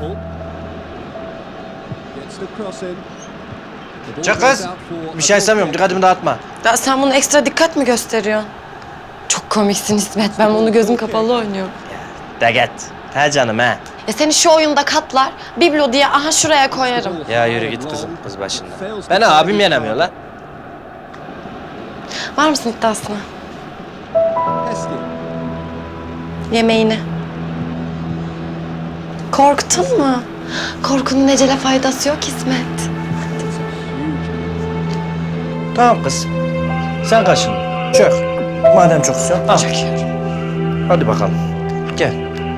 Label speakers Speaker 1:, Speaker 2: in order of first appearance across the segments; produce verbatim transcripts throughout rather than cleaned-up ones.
Speaker 1: Çık kız. Bir şey istemiyorum. Dikkatimi dağıtma.
Speaker 2: Ya sen bunu ekstra dikkat mi gösteriyorsun? Çok komiksin İsmet. Ben bunu gözüm kapalı oynuyorum.
Speaker 1: De git. He canım he.
Speaker 2: Ya seni şu oyunda katlar, biblo diye aha şuraya koyarım.
Speaker 1: Ya yürü git kızım kız başında. Beni abim yenemiyor lan.
Speaker 2: Var mısın iddiasına? Yemeğini. Korktun mu? Korkunun ecele faydası yok İsmet.
Speaker 1: Tamam kız. Sen kaşın. Çök. Madem çok istiyorsun. Al.
Speaker 2: Çöküyorum.
Speaker 1: Hadi bakalım. Gel.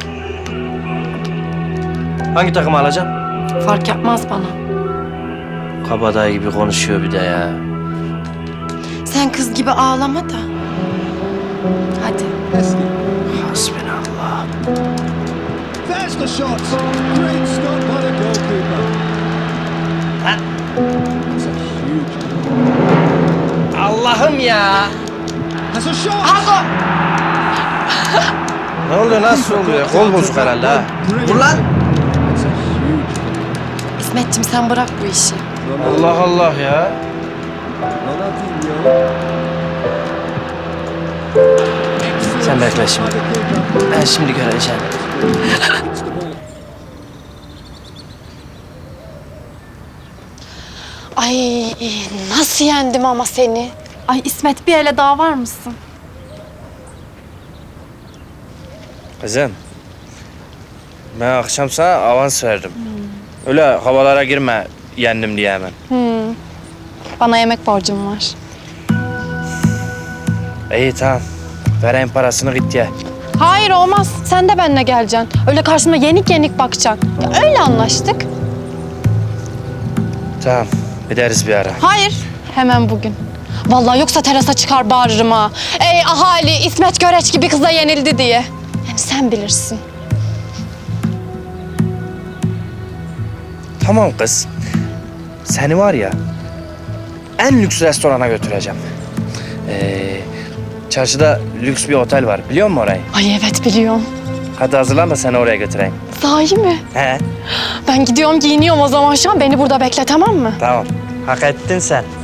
Speaker 1: Hangi takımı alacağım?
Speaker 2: Fark yapmaz bana.
Speaker 1: Kabadayı gibi konuşuyor bir de ya.
Speaker 2: Sen kız gibi ağlama da. Hadi.
Speaker 1: Hasbinallah.
Speaker 3: There's the shot. Great stop by the goalkeeper.
Speaker 1: Ha?
Speaker 3: It's a huge.
Speaker 1: Allah'ım ya.
Speaker 3: Has a shot.
Speaker 1: Ne oluyor, nasıl oluyor? Kol bozuk herhalde ha. Dur lan.
Speaker 3: It's a huge.
Speaker 2: İsmetciğim sen bırak bu işi.
Speaker 1: Allah Allah ya.
Speaker 3: Ronaldinho.
Speaker 1: Sen bekle şimdi. Ben şimdi göreceğim.
Speaker 2: Ay nasıl yendim ama seni?
Speaker 4: Ay İsmet bir ele daha var mısın?
Speaker 1: Kızım. Ben akşam sana avans verdim. Öyle havalara girme yendim diye hemen.
Speaker 4: Hmm. Bana yemek borcum var.
Speaker 1: İyi tamam. Vereyim parasını git ye.
Speaker 4: Hayır olmaz. Sen de benimle geleceksin. Öyle karşıma yenik yenik bakacaksın. Ya öyle anlaştık.
Speaker 1: Tamam. Gideriz bir ara.
Speaker 4: Hayır. Hemen bugün. Vallahi yoksa terasa çıkar bağırırım ha. Ey ahali İsmet Göreç gibi kıza yenildi diye. Yani sen bilirsin.
Speaker 1: Tamam kız. Seni var ya en lüks restorana götüreceğim. Ee, çarşıda lüks bir otel var. Biliyor musun orayı?
Speaker 4: Ay evet biliyorum.
Speaker 1: Hadi hazırlan da seni oraya götüreyim.
Speaker 4: Sahi mi?
Speaker 1: He,
Speaker 4: Ben gidiyorum giyiniyorum o zaman şu an. Beni burada bekle tamam mı?
Speaker 1: tamam. Hak ettin sen.